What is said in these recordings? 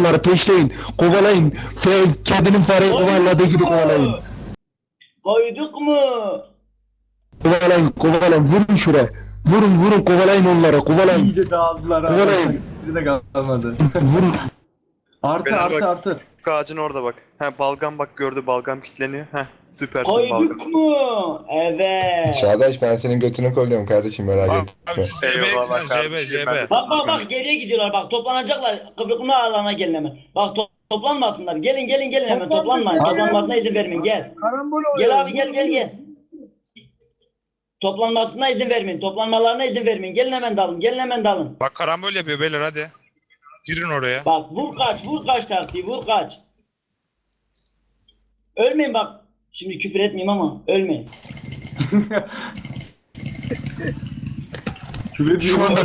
onları peşleyin. Kovalayın. Kedinin fareyi kovaladığı gibi kovalayın. Koyduk mu? Kovalayın. Vurun şuraya. Vurun kovalayın onları. Kovalayın. İyice dağıldılar abi. Kovalayın. Bir de kalmadı. Vurun. Artı. Ağacın orada bak. Balgam bak gördü, balgam kilitleniyor. Süpersin Koyduk balgam. mu? Evet. Çağdaş ben senin götünü kolluyorum kardeşim merak etme. Abi şu Eyvallah JB, kardeşim, ben de JB. Bak geriye gidiyorlar bak toplanacaklar. Kıbrıklı alana gelin hemen. Bak toplanmasınlar. Gelin hemen toplanmayın. Toplanmasına izin vermeyin gel. Gel abi gel. Toplanmasına izin vermeyin. Toplanmalarına izin vermeyin. Gelin hemen dalın. Bak karambol yapıyor beyler hadi. Girin oraya. Bak vur kaç taktiği vur kaç. Ölmeyin bak. Şimdi küfür etmeyeyim ama ölmeyin. Şu anda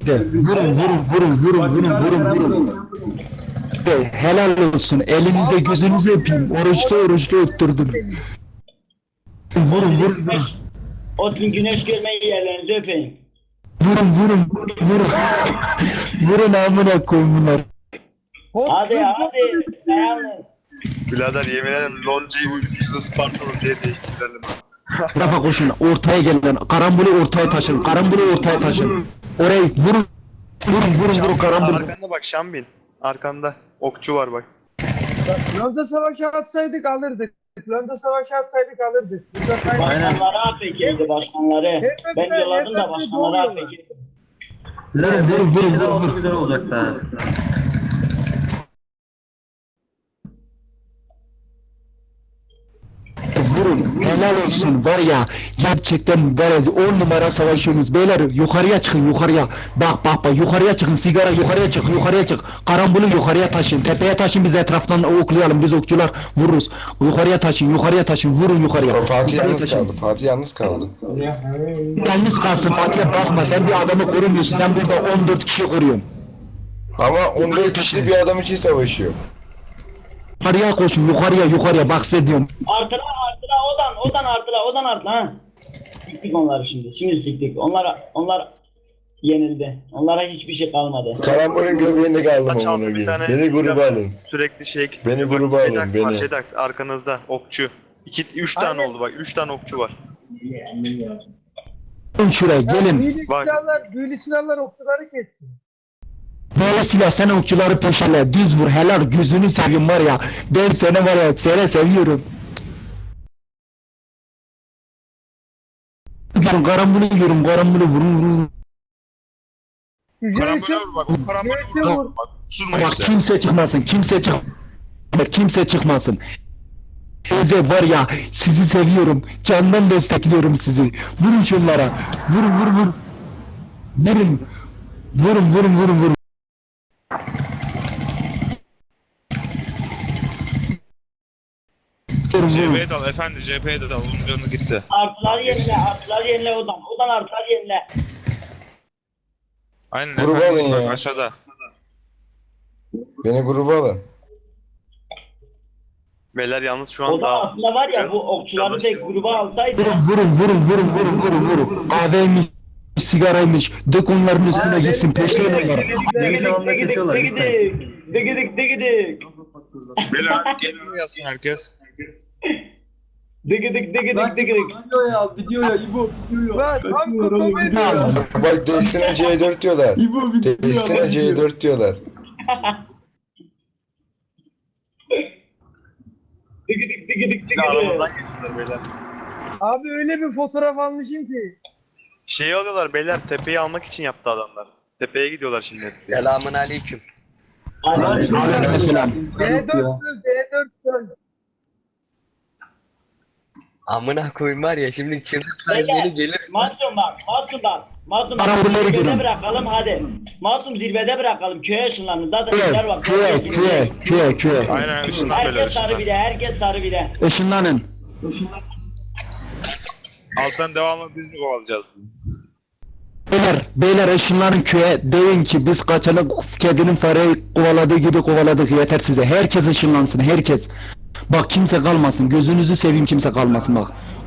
vurun. Helal olsun. Elinize gözünüzü öpeyim. Oruçlu öptürdüm. Vurun. O gün güneş görmeyi yerlerinizi öpeyim. Vurun. Vurun amına koyun bunlar. Hadi dayanın. Birader yemin ederim Lonca'yı yüzü Sparta Lonca'ya değiştirelim. Tarafa koşun. Ortaya gelin. Karambolu ortaya taşın. Orayı vurun karambolu. Arkanda bak Şambin. Arkanda okçu var bak. Lonca savaşı atsaydık alırdık. Başkanları APK'ydi başkanları. Ben yolladım da başkanları APK'ydi. Vurun. Güzel olacak da. Vurun. Helal olsun var ya. Gerçekten var ya 10 numara savaşıyorsunuz. Beyler yukarıya çıkın. Bak yukarıya çıkın. Sigara yukarıya çık. Karambolu yukarıya taşın. Tepeye taşın biz etraftan oklayalım. Biz okçular vururuz. Yukarıya taşın. Vurun yukarıya. Fatih yalnız kaldı. Yalnız kalsın Fatih'e bakma. Sen bir adamı korumuyorsun. Sen burada 14 kişi koruyorsun. Ama 14 kişi bir adam için savaşıyor. Yukarıya koşun. Yukarıya. Bak size diyorum. Artıla odan artıla ha. Siktik onları şimdi. Şimdi siktik. Onlar yenildi. Onlara hiçbir şey kalmadı. Karambolün göbeğinde kaldım Aç amına aldı bir koyayım. tane. Beni gruba alın. Sürekli şey Beni gruba alın, Jedax beni. var, Jedax arkanızda okçu. 3 tane oldu bak. 3 tane okçu var. Gelin şuraya gelin. Büyülü silahlar okçuları kessin. Böyle silah sen okçuları peşele. Düz vur. Helal gözünü seveyim var ya. Ben seni var ya seviyorum. Karambolu vurun. Sizin Karambol için vur bak. O karambol vur. Bak usurma Bak işte. kimse çıkmasın. Teyze var ya sizi seviyorum. Candan destekliyorum sizi. Vurun şunlara. Vurun. Vurun. JB'ye dal efendi JB'ye de dal. Onun canı gitti. Artılar yenile odan artılar yenile. Aynen Gruba efendi alın bak ya. aşağıda. Beni gruba alın. Beyler yalnız şu an Odan daha... aslında var ya bu okçuları tek gruba alsaydı. Vurun. Kahveymiş, sigaraymış. Dök onların üstüne gitsin. Peşleyin onları. Digidik. Beyler hadi gelin yazsın herkes. Digidik. Videoya İbo. Lan tam kafamı Bak değişsine C4 diyorlar. İbo Değişsine C4 diyorlar. Digidik. Aramızdan geçiyorlar beyler. Abi öyle bir fotoğraf almışım ki. Şeyi alıyorlar beyler, tepeyi almak için yaptı adamlar. Tepeye gidiyorlar şimdi hepsi. Selamun aleyküm. Aleykümselam. D4 Amına koyayım var ya şimdi çıldırtmaz beni gelir. Masum Karambolları zirvede görün. bırakalım hadi. Masum zirvede bırakalım köye ışınlanın. Zaten işler var. Köye. Aynen ışından böyle Herkes sarı bile. Işınlanın. Alttan devamlı biz mi kovalayacağız? Beyler ışınlanın köye. Deyin ki biz kaçanı kedinin fareyi kovaladığı gibi kovaladık. Yeter size. Herkes ışınlansın. Herkes. Bak kimse kalmasın. Gözünüzü seveyim kimse kalmasın bak.